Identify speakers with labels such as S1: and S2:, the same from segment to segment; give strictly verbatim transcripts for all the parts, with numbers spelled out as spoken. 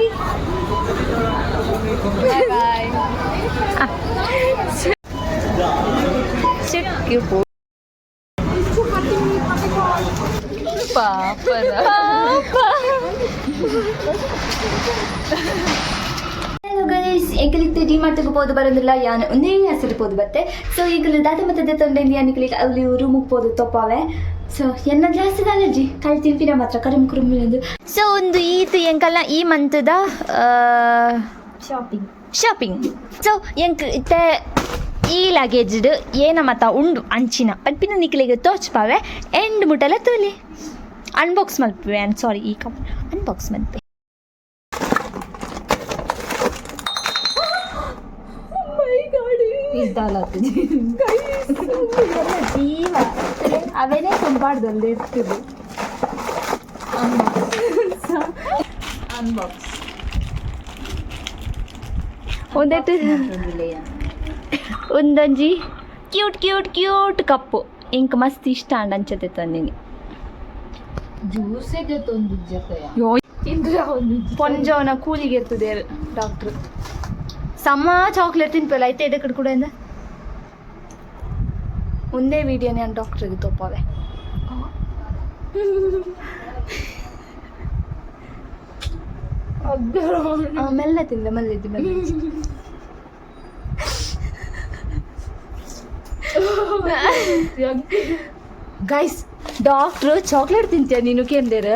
S1: Bye bye. Check your book. Papa. Papa.
S2: Hello guys, ಎಂಕಲಿಗೆ ಡಿ ಮಾಡ್ತಕ್ಕೆ ಹೋದು ಬರೋದಿಲ್ಲ ಯಾನು ಒಂದೇ ಹೆಸರು ಹೋದು ಬತ್ತೆ ಸೊ ಈಗ ದಾದ ಮತ್ತೆ ತೊಂಡೆಂದು ಯಾನಿಕಲಿಗೆ ಅಲ್ಲಿ ರೂಮಿಗೆ ಹೋದು ತೊಪ್ಪಾವೆ ಸೊ ಎನ್ನ ಜಾಸ್ತಿ ಅಲರ್ಜಿ ಕಳಿ ತಿಂಪಿನ ಮಾತ್ರ ಕಡಿಮೆ ಕುರುಮಿನದು ಸೊ ಒಂದು ಈತು ಎಂಕಲ್ಲ ಈ ಮಂತದ ಶಾಪಿಂಗ್ ಶಾಪಿಂಗ್ ಸೊ ಎಂಕ್ ಇತ್ತೆ ಈ ಲಗೇಜ್ಡ್ ಏನ ಮತ್ತ ಉಂಡು ಅಂಚಿನ ಪಲ್ಪಿನ ನಿಕ್ಲಿಗೆ ತೋಚ್ಪಾವೆ ಎಂಡ್ ಮುಟ್ಟಲ್ಲ ತೋಲಿ ಅನ್ಬಾಕ್ಸ್ ಮಲ್ಪವೆ ಐ ಸಾರಿ ಈ ಕಪ್ ಅನ್ಬಾಕ್ಸ್ ಮಲ್ಪೆ ಜೀವ ಅವೇನೇ ತುಂಬಾಡ್ದಲ್ಲಿ ಇರ್ತದೆ ಅನ್ಬಾಕ್ಸ್ ಒಂದೆಟ್ಟು ಒಂದೊಂಜಿ ಕ್ಯೂಟ್ ಕ್ಯೂಟ್ ಕ್ಯೂಟ್ ಕಪ್ಪು ಇಂಕ ಮಸ್ತ್ ಇಷ್ಟ ಅಂಡ್ ಅಂಚತೆ ತಂದಿನಿ
S1: ಜ್ಯೂಸಿಗೆ ತಂದು ಜೊತೆಯ
S2: ಪೊಂಜವನ ಕೂಲಿಗೆ ಇರ್ತದೆ ಡಾಕ್ಟ್ರು ಸಮ ಚಾಕ್ಲೇಟ್ ತಿನ್ಪಲ್ಲ ಐತೆ ಎಡೆ ಕಡೆ ಕೂಡ ಇಂದ ಒಂದೇ ವಿಡಿಯೋ ನಾನು ಡಾಕ್ಟ್ರಿಗೆ ತೊಪ್ಪವೆ ಮೆಲ್ಲ ತಿಂದ ಮಲ್ಲಿದ್ದಿ ಮೆಲ್ಲ ಗೈಸ್ ಡಾಕ್ಟ್ರು ಚಾಕ್ಲೇಟ್ ತಿಂತೀಯ ನೀನು ಕೇಂದ್ರ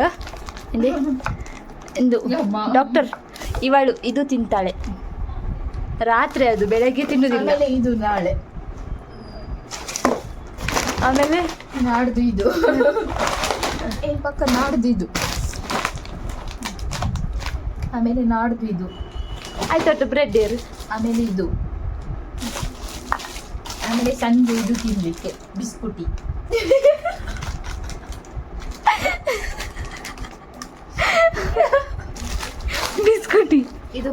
S2: ಎಂದು ಡಾಕ್ಟರ್ ಇವಳು ಇದು ತಿಂತಾಳೆ ರಾತ್ರಿ ಅದು ಬೆಳಗ್ಗೆ ತಿನ್ನುವುದಿಲ್ಲ
S1: ಇದು ನಾಳೆ
S2: ಆಮೇಲೆ
S1: ನಾಡ್ದು ಇದು ಏ ಪಕ್ಕ ನಾಡ್ದು ಇದು ಆಮೇಲೆ ನಾಡ್ದು ಇದು
S2: ಆಯ್ತು ಬ್ರೆಡ್ ಏರು
S1: ಆಮೇಲೆ ಇದು ಆಮೇಲೆ ಸಂಜೆ ಇದು ತಿನ್ಲಿಕ್ಕೆ ಬಿಸ್ಕುಟಿ
S2: ಬಿಸ್ಕುಟಿ
S1: ಇದು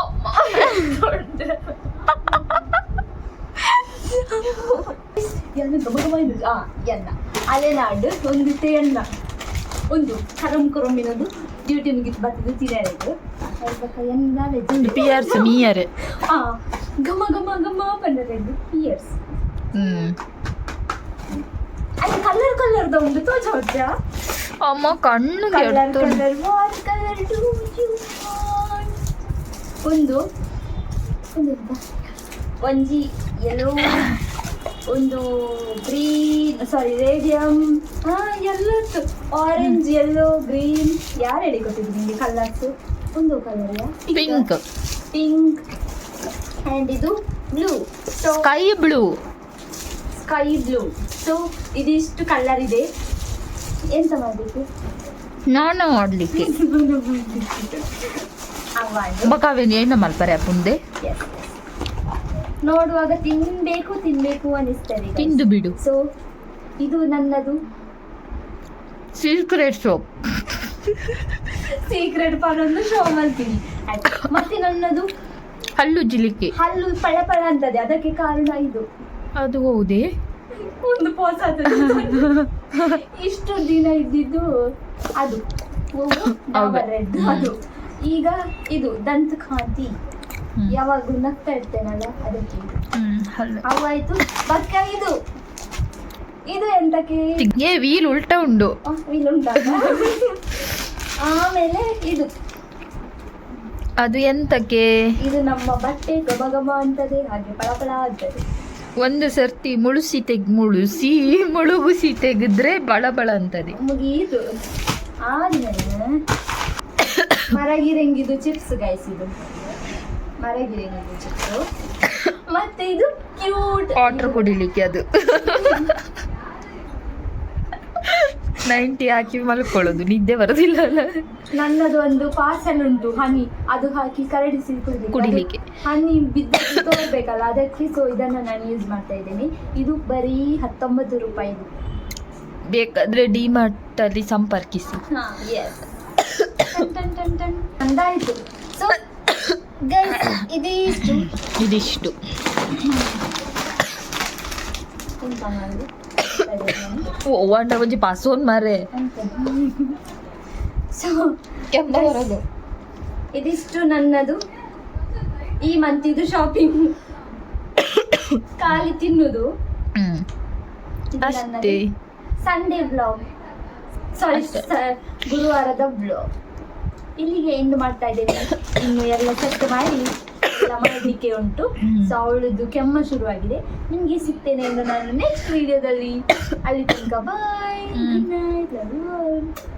S2: ಎನ್ನ ಅಲೆನಾಡು ಒಂದು ಎಣ್ಣ ಒಂದು ಕರಂ ಕುರಮಿನದು ಡ್ಯೂಟಿ ಮುಗಿತು ಬರ್ತದೆ ತಿನ್ನೋದು ಎನ್ನ
S1: ಪಿಯರ್ಸ್ ಮೀಯರ್
S2: ಆ ಘಮ ಘಮ ಘಮ ಬಂದದ್ದು ಪಿಯರ್ಸ್
S1: ಹ್ಮ್
S2: ಅಲ್ಲಿ ಕಲರ್ ಕಲರ್ದ ಒಂದು ತೋಚ ಹೊಚ್ಚ
S1: ಅಮ್ಮ ಕಣ್ಣು
S2: colour colour what colour do you ಒಂದು ಒಂದು ಒಂಜಿ ಯೆಲ್ಲೋ ಒಂದು ಗ್ರೀನ್ ಸಾರಿ ರೇಡಿಯಂ ಹಾಂ ಎಲ್ಲೋ ಆರೆಂಜ್ ಯೆಲ್ಲೋ ಗ್ರೀನ್ ಯಾರು ಹೇಳಿ ಕೊಟ್ಟಿದ್ದು ನಿಮಗೆ ಕಲರ್ಸು ಒಂದು ಕಲರ್
S1: ಪಿಂಕ್
S2: ಪಿಂಕ್ ಆ್ಯಂಡ್ ಇದು blue so
S1: sky blue
S2: sky blue so ಇದಿಷ್ಟು ಕಲರ್ ಇದೆ ಎಂತ ಮಾಡಬೇಕು
S1: ನಾನು ಮಾಡ್ಲಿಕ್ಕೆ ಬಕಾವೇನು ಏನು ಮಲ್ಪರೆ ಮುಂದೆ
S2: ನೋಡುವಾಗ ತಿನ್ಬೇಕು ತಿನ್ಬೇಕು ಅನಿಸ್ತದೆ
S1: ತಿಂದು ಬಿಡು
S2: ಸೊ ಇದು ನನ್ನದು
S1: ಸೀಕ್ರೆಟ್ ಸೋಪ್
S2: ಸೀಕ್ರೆಟ್ ಪಾರೊಂದು ಶೋ ಮಾಡ್ತೀನಿ ಮತ್ತೆ ನನ್ನದು
S1: ಹಲ್ಲು ಜಿಲಿಕೆ
S2: ಹಲ್ಲು ಪಳ ಪಳ ಅಂತದೆ ಅದಕ್ಕೆ ಕಾರಣ ಇದು
S1: ಅದು ಹೌದೇ
S2: ಒಂದು ಪೋಸ ಇಷ್ಟು ದಿನ ಇದ್ದಿದ್ದು ಅದು ಡಾಬರ್ ರೆಡ್ ಅದು ಈಗ ಇದು ದಂತಕಾಂತಿ ಯಾವಾಗ ನಗ್ತಾ ಇರ್ತೇನಲ್ಲ ಅದಕ್ಕೆ ಅವಾಯ್ತು ಬಕ್ಕ ಇದು ಇದು ಎಂತಕ್ಕೆ
S1: ಏ ವೀಲ್ ಉಲ್ಟ ಉಂಡು
S2: ವೀಲ್ ಉಂಟಲ್ಲ ಆಮೇಲೆ ಇದು
S1: ಅದು ಎಂತಕ್ಕೆ
S2: ಇದು ನಮ್ಮ ಬಟ್ಟೆ ಗಮ ಗಮ ಅಂತದೆ ಹಾಗೆ ಪಳಪಳ ಅಂತದೆ
S1: ಒಂದು ಸರ್ತಿ ಮುಳುಸಿ ತೆಗ್ ಮುಳುಸಿ ಮುಳುಗುಸಿ ತೆಗೆದ್ರೆ ಬಳ ಬಳ ಅಂತದೆ
S2: ಮುಗೀತು ಆದ್ಮೇಲೆ ಮರಗಿರಂಗಿದು ಚಿಪ್ಸ್ ಗೈಸ್ ಇದು ಮರಗಿರಂಗಿದು ಚಿಪ್ಸು ಮತ್ತೆ ಇದು ಕ್ಯೂಟ್
S1: ವಾಟರ್ ಕುಡಿಲಿಕ್ಕೆ ಅದು ನೈಂಟಿ ಹಾಕಿ ಮಲ್ಕೊಳ್ಳೋದು ನಿದ್ದೆ ಬರೋದಿಲ್ಲ ಅಲ್ಲ
S2: ನನ್ನದು ಒಂದು ಪಾರ್ಸಲ್ ಉಂಟು ಹನಿ ಅದು ಹಾಕಿ ಕರಡಿಸಿ
S1: ಕುಡಿಲಿಕ್ಕೆ
S2: ಹನಿ ಬಿದ್ದು ತೋರ್ಬೇಕಲ್ಲ ಅದಕ್ಕೆ ಸೊ ಇದನ್ನು ನಾನು ಯೂಸ್ ಮಾಡ್ತಾ ಇದ್ದೀನಿ ಇದು ಬರೀ ಹತ್ತೊಂಬತ್ತು ರೂಪಾಯಿ
S1: ಬೇಕಾದ್ರೆ ಡಿಮಾರ್ಟ್ ಅಲ್ಲಿ ಸಂಪರ್ಕಿಸಿ
S2: ಅಂದಾಯ್ತು ಸೊ ಗೈಸ್ ಇದಿಷ್ಟು
S1: ಇದಿಷ್ಟು ಓ ಒಂಟ ಒಂಜಿ ಪಾಸೋನ್ ಮಾರೆ
S2: ಸೊ
S1: ಕೆಮ್ಮ ಬರೋದು
S2: ಇದಿಷ್ಟು ನನ್ನದು ಈ ಮಂತ್ ಇದು ಶಾಪಿಂಗ್. ಖಾಲಿ ತಿನ್ನುದು.
S1: ಹ್ಮ್ ಅಷ್ಟೇ.
S2: ಸಂಡೇ ಬ್ಲಾಗ್, ಸಾರಿ ಗುರುವಾರದ ಬ್ಲಾಗ್ ಇಲ್ಲಿಗೆ ಎಂಡ್ ಮಾಡ್ತಾ ಇದ್ದೇನೆ. ಇನ್ನು ಎಲ್ಲ ಸೆಟ್ ಮಾಡಿ ಎಲ್ಲ ಮಾಡಲಿಕ್ಕೆ ಉಂಟು. ಸೊ ಅವಳದ್ದು ಕೆಮ್ಮ ಶುರುವಾಗಿದೆ. ನಿಮಗೆ ಸಿಗ್ತೇನೆ ಎಂದು ನಾನು ನೆಕ್ಸ್ಟ್ ವಿಡಿಯೋದಲ್ಲಿ. ಅಲ್ಲಿ ತನಕ bye, good night, love you all.